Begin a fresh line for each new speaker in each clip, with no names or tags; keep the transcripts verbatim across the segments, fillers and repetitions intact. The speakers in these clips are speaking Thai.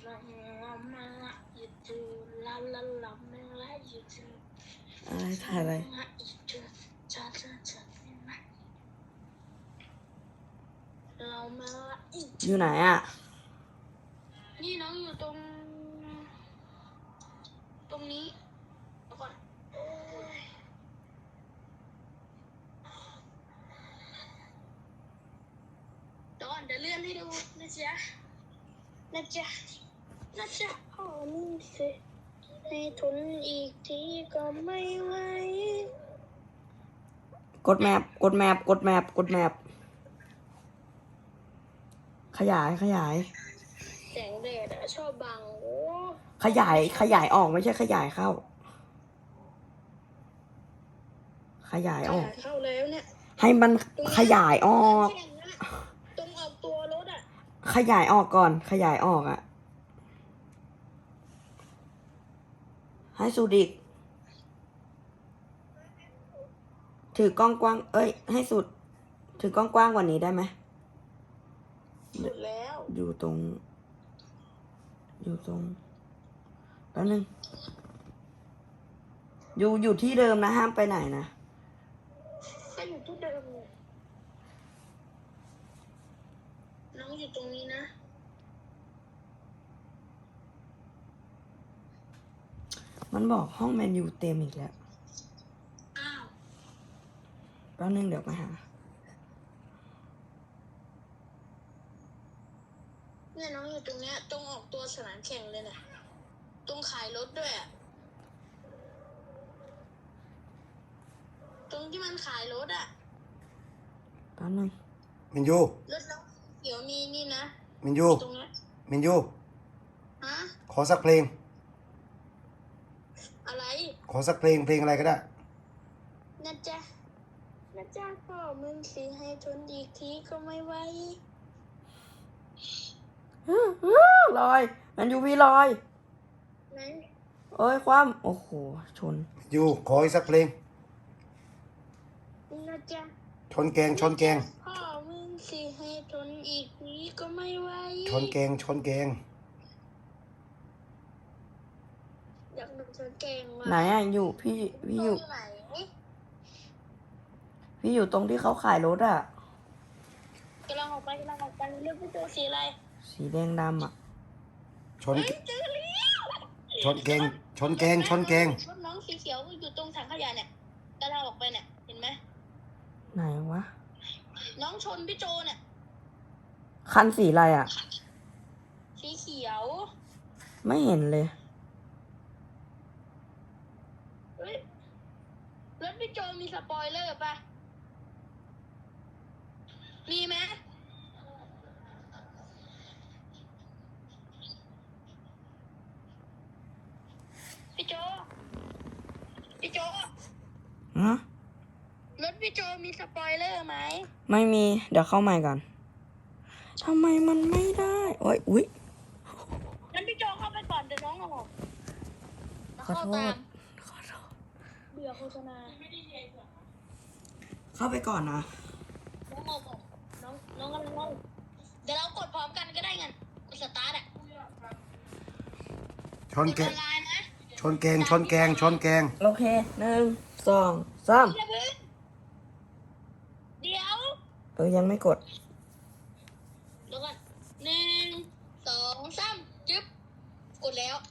อะไรถ่ายอะไรอยู่ไหนอ่ะ
นี่น้องอยู่ตรงตรงนี้ก่อนเดี๋ยวก่อนเดี๋ยวเลื่อนให้ดูนะจ๊ะนะจ๊ะนะจ๊ะพ่อมึงสิให้ทนอีกทีก็ไม่ไหว
กดแมปกดแมปกดแมปกดแมปขยายขยาย
แสงแดดอะชอบบังโอ้
ขยายขยายออกไม่ใช่ขยายเข้าขยายออก
เข้าแล้วเนี่ย
ให้มันขยายออก
ตรงออกตัวรถอะ
ขยายออกก่อนขยายออกอ่ะให้สุดอีกถือกล้องกว้างเอ้ยให้สุดถือกล้องกว้างกว่านี้ได้ไหม
สุดแล้ว
อยู่ตรงอยู่ตรงแป๊บนึงอยู่อยู่ที่เดิมนะห้ามไปไหนนะ
ก็อยู่ที่เดิมน้องอยู่ตรงนี้นะ
มันบอกห้องแมนยูเต็มอีกแล้ว
อ้าว
แป๊บนึงเดี๋ยวมาหา
เนี่ยน้องอยู่ตรงเนี้ยตรงออกตัวสนามแข่งเลยเนี่ยตรงขายรถด้วยอะตรงที่มันขายรถอะ
แป๊บนึง
มินยู
รถน้องเดี๋ยวมีนี่นะ
มินยู
ตรงเนี้ย
มินยู
ฮะ
ขอสักเพลง
อะไร
ขอสักเพลงเพลงอะไรก็ได้
นะจ๊ะนะจ๊ะพ่อมึงสิให้ทนอีกทีก็ไม่ไหว
ลอยแมนยูวีลอย
ไหน
เอ้ยความโอ้โหชน
มินยูขออีกสักเพลง
นะจ๊ะ
ชนแกงชนแกง
พ่อมึงสิให้ทนอีกทีก็ไม่ไหว
ชนแกงชนแกง
อยากดูชนแกงว่ะ
ไหนอ่ะอยู่พี่พี่อยู่
ไหน
พี่อยู่ตรงที่เขาขายรถอ่ะ
กำลังออกไปกำลังออกไปเลือกพี่ตัวสีอะไร
สีแดงดำอ่ะ
ชนชนแกงชนแกงชนแกง
รถน้องสีเขียวอยู่ตรงถังขยะเนี่ยกำลังออกไปเนี่ยเห็นไหม
ไหนวะ
น้องชนพี่โจเนี่ย
คันสีอะไรอ่ะ
สีเขียว
ไม่เห็นเลย
เฮ้ยรถพี่โจมีสปอยเลอร์ป่ะมีไหมพี่โจพี่โจ
ฮะ
รถพี่โจมีสปอยเลอร์ไหม
ไม่มีเดี๋ยวเข้าใหม่ก่อนทำไมมันไม่ได้โอ้ยอุ๊ย
งั้นพี่โจเข้าไปก่อนเดี๋ยวน้องออก
ขอโทษขอโทษ
เบื่อโฆษณา
เข้าไปก่อนนะ
น้องออกก่อนน้องน้องกำลังน้องเดี๋ยวเรากดพร้อมกันก็ได้ไงกดสตาร์ทอ่ะ
ชนแกงชนแกงชนแกงชนแกง
โอเคหนึ่งสองสาม
เดี๋ยว
เออยังไม่กด
เดี๋ยวก่อนหนึ่งสองสามจึ๊บกดแล้ว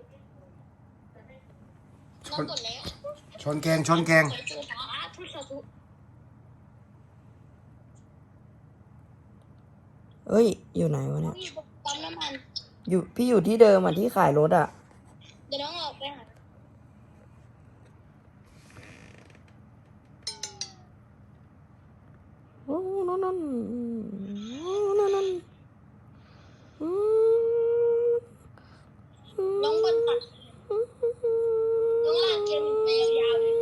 น้องกดแล้ว
ชนแกงชนแกง
เอ้ยอยู่ไหนวะเนี่ย
ปั๊มน้ำมัน
อยู่พี่อยู่ที่เดิมอ่ะที่ขายรถอ่ะ
เดี๋ยวน้องออกไปหา
โอ้นั่นนั่นนั่นนั่น
น้องบนตัดน้องลากเกมไปยาวๆเลย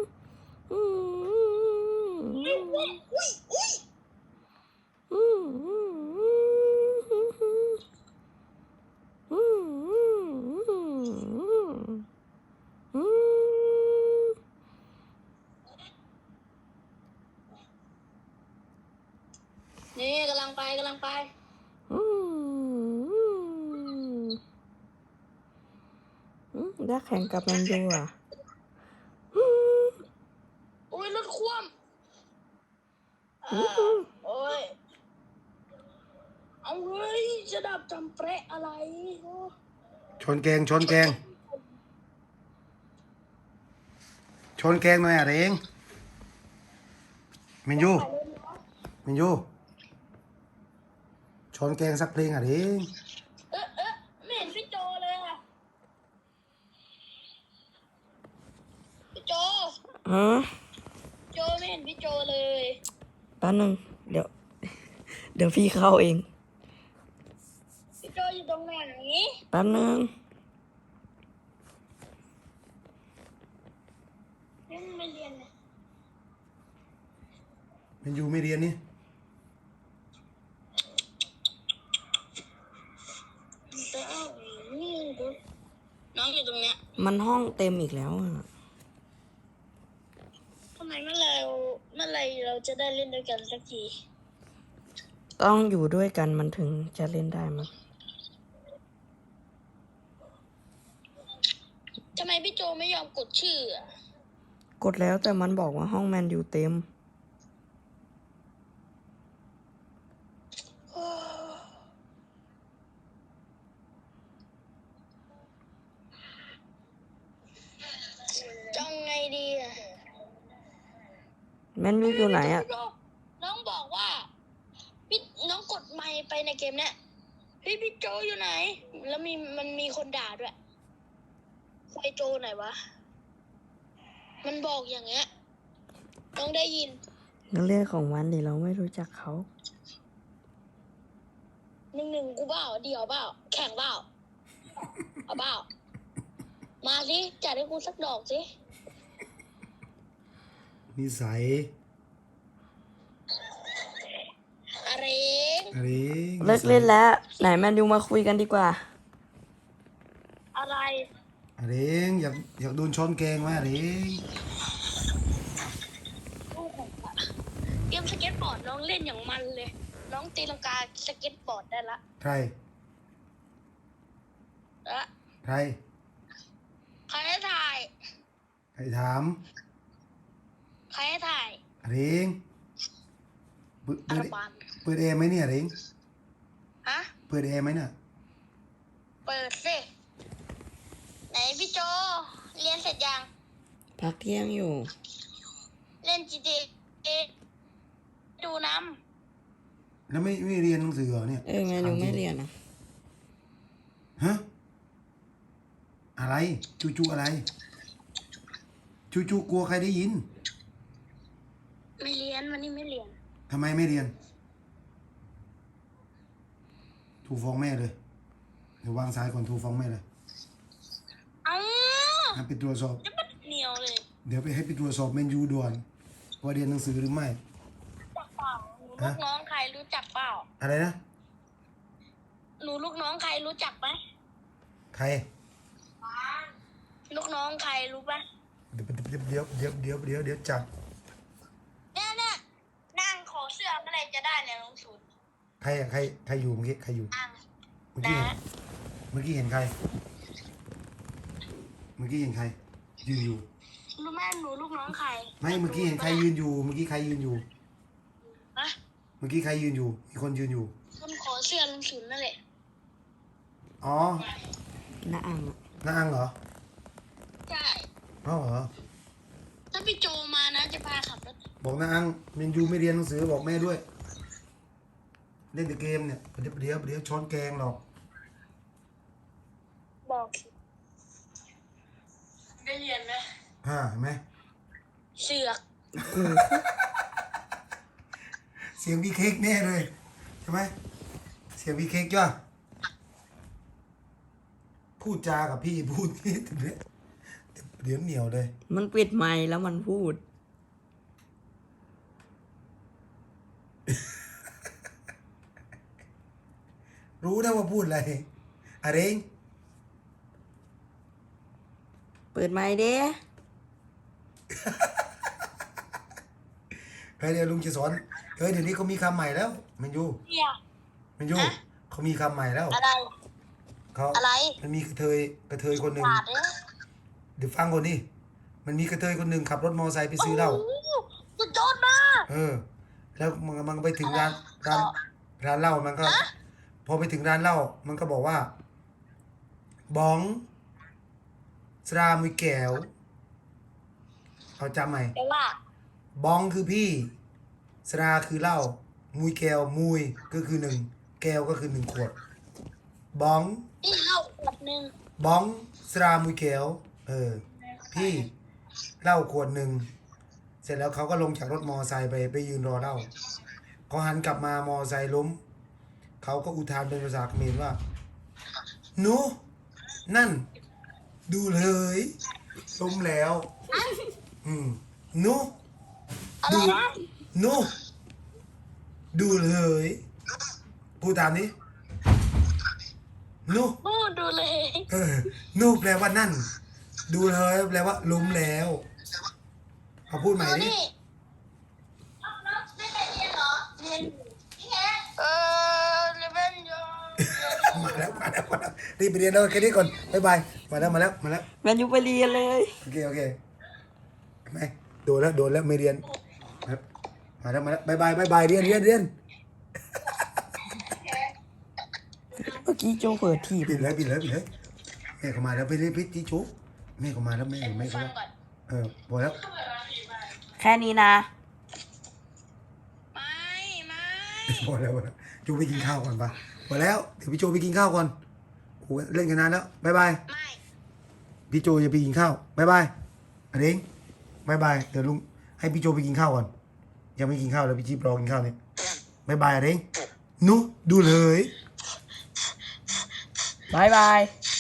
อุ้ยอุ้ยอุ้ยนี่กำลัง
อยากแข่งกับแมนยูอ่ะ
โอ้ยรถคว่ำอ่าโอ้ยเอาเฮ้ยจะดับจำเปรอะไรโอ้
ชนแกงชนแกงชนแกงหน่อยอะเองเมนยูเมนยูชนแกงสักเพลงอะเอง
เอ๊ะเอ๊ะไม่เห็นพี่โจเลยอ่ะพี่โจ
อืม
โจไม่เห็นพี่โจเลย
แป๊บนึงเดี๋ยว เดี๋ยวพี่เข้าเอง
พี่โจอยู่ตรงไหน
แป๊บนึง
ยังไม่เรียนเลย
เมนยูไม่เรียนนี่
น้องอยู่ตรงเนี้ย
มันห้องเต็มอีกแล้วอ่ะ
ทำไมเมื่อไรเมื่อไรเราจะได้เล่นด้วยกันสักที
ต้องอยู่ด้วยกันมันถึงจะเล่นได้มั้ง
ทำไมพี่โจไม่ยอมกดชื่ออะ
กดแล้วแต่มันบอกว่าห้องแมนยูเต็ม
จังไงดีอะ
แมนยูอยู่ไหนอ่ะ
น้องบอกว่าพี่น้องกดไมค์ไปในเกมเนี้ยพี่พี่โจอยู่ไหน แล้วมีมันมีคนด่าด้วยไฟโจไหนวะ มันบอกอย่างเงี้ยน้องได้ยิน
นั่นเรื่องของมันดิเราไม่รู้จักเขา
หนึ่งหนึ่งกูเปล่าเดี่ยวเปล่าแข่งเปล่าเอาเปล่ามาสิจัดให้กูสักดอกสิ
นิสัย
อะไร
อะไร
เลิกเล่นแล้ว ไหนแมนยูมาคุยกันดีกว่า
อะไร
อะไรอยากอยากโดนชนแกงไหมอะไร
เกมสเก็ตบอร์ดน้องเล่นอย่างมันเลย น้องตีลังกาสเก็ตบอร์ดได้ละ
ใคร
ละ
ใคร
ใครให้ถ่าย
ใครถาม
ใครให้ถ่าย
อะไรเปิด
อา
เปิด
รบัน
เปิดแอร์ไหมเนี่ยอะไร
ฮะ
เปิดแอร์ไหมเนี่ย
เปิดสิไหนพี่โจเรียนเสร็จยัง
พักเที่ยงอยู่
เล่น จี ที เอ ดูน้
แล้วไม่ไม่เรียนหนังสือเหรอเนี่ย
เออแมนยูไม่เรียนนะ
ฮะอะไรจูจูอะไรจูจูกลัวใครได้ยิน
ำไม่เรียนวันนี้ไม่เรียน
ทำไมไม่เรียนถูกฟ้องแม่เลยเดี๋ยววางสายก่อนถูกฟ้องแม่เลย
เอ้า
ให้ไปตรวจสอบ
จะมันเหนียวเลย
เดี๋ยวไปให้ไปตรวจสอบเมนยูด่วนว่าเรียนหนังสือหรือไม่
จักเปล่าหนูลูกน้องใครรู้จักเปล่า
อะไรนะ
หนูลูกน้องใครรู้จักไหม
ใคร
ลูกน้องใครรู้ปะ
เดี๋ยวเดี๋ยวเดี๋ยวเดี๋ยวเดี๋ยวเดี๋ยวจับ
เนี่ยเนี่ยนั่งขอเสื้อเมื่อไรจะได้เนี่ยน้องศูนย์
ใครอะใครใครอยู่เมื่อกี้ใครอยู่
นั่ง
เมื่อกี้เห็น
นะ
เมื่อกี้เห็นใคร เมื่อกี้เห็นใคร ยืนอยู่
รู้ไหมหนูลูกน้องใคร
ไม่เมื่อกี้เห็นใครยืนอยู่ เมื่อกี้ใครยืนอยู่
ฮะ
เมื่อกี้ใครยืนอยู่ มีคนยืนอยู่
คนขอเสื้อลุงศูนย์นั่นแหละ
อ๋อ
น้าอ่างอะ
น้าอังเหรอ
ใช่
อ๋อเหรอ
ถ้าพี่โจมานะจะพาขับรถ
บอกน้าอังเมนยูไม่เรียนหนังสือบอกแม่ด้วย เล่นแต่เกมเนี่ยเดี๋ยวเดี๋ยวเดี๋ยวช้อนแกงหรอก
บอกได้เรียนไหม
ฮ่าเห็นไหม
เสือก
เสียงพี่เค้กแน่เลยใช่ไหมเสียงพี่เค้กจ้ะพูดจากับพี่พูดนี่เดี๋ยวเดี๋ยวเหนียวเลย
มันปิดไมค์แล้วมันพูด
รู้นะว่าพูดอะไรอะไรเอง
เปิดไมค์เด้
เฮ้ยเดี๋ยวลุงจะสอนเฮ้ยเดี๋ยวนี้เขามีคำใหม่แล้วแมันยู
เนี่ย
แมันยูเขามีคำใหม่แล้ว
อะไร
เขา
อะไร
มันมีกระเทยกระเทยคนหนึ่ง
บาดเลย
เดี๋ยวฟังก่อนดิมันมีกระเทยคนหนึ่งขับรถมอไซค์ไปซื้อเหล้า
โอ้โหสุดยอดมาก
เออ แล้วมันมันไปถึงร้านร้านร้านเหล้ามันก็ พอไปถึงร้านเหล้ามันก็บอกว่าบ้องสรามุยแก้วเอาจำใหม่
แต่ว่า
บ้องคือพี่สราคือเหล้ามุยแก้วมุยก็คือหนึ่งแก้วก็คือหนึ่งขวดบ้อง
นี่เหล้าขวดหนึ่ง
บ้องสรามุยแก้วเออ พี่เหล้าขวดหนึ่งเสร็จแล้วเขาก็ลงจากรถมอไซค์ไปไปยืนรอเหล้าเขาหันกลับมามอไซค์ล้มเขาก็อุทานเป็นภาษาเขมรว่าหนูนั่น ดูเลยล้มแล้ว อืมหนู
อะไร
ดู
นะ
หนูดูเลยพูดตามนี้หนู
โอ้ดูเลย
เออหนูแปลว่านั่น ดูเลยแปลว่าล้มแล้วเอาพูดใหม่
เอา
ดิ
นี่ไม่ไปเรียนเหรอเรียนเออเรียนอยู่
มาแล้วมาแล้วมาแล้วรีบไปเรียนแล้วแค่นี้ก่อนบ๊ายบายมาแล้วมาแล้วมาแล้ว
แมนยูไปเรียนเลย
โอเคโอเคไม่โดนแล้วโดนแล้วไม่เรียนครับมาแล้วมาแล้วบ๊ายบายบ๊ายบายเรียนเรียนเรียน
เมื่อกี้โจเปิดทีบ
ปิดเลยปิดเลยปิดเลยแม่เขามาแล้วไปเรียนพิธีจุแม่เขามาแล้วแม่แม่เขา
ฟัง
แล้ว
ก่อน
เออพอแล้ว
แค่นี้นะ
ไม่ไม่
พอแล้วพอแล้วจูไปกินข้าวก่อนปะพอแล้วเดี๋ยวพี่โจไปกินข้าวก่อนโอ้เล่นกันนานแล้วบ๊ายบาย
ไม่
พี่โจจะไปกินข้าวบ๊ายบายอันนี้บ๊ายบายเดี๋ยวลุงให้พี่โจไปกินข้าวก่อนยังไม่กินข้าวแล้วพี่จิ๊บรอกินข้าวเนี่ยบ๊ายบายอันนี้หนูดูเลย
บายบาย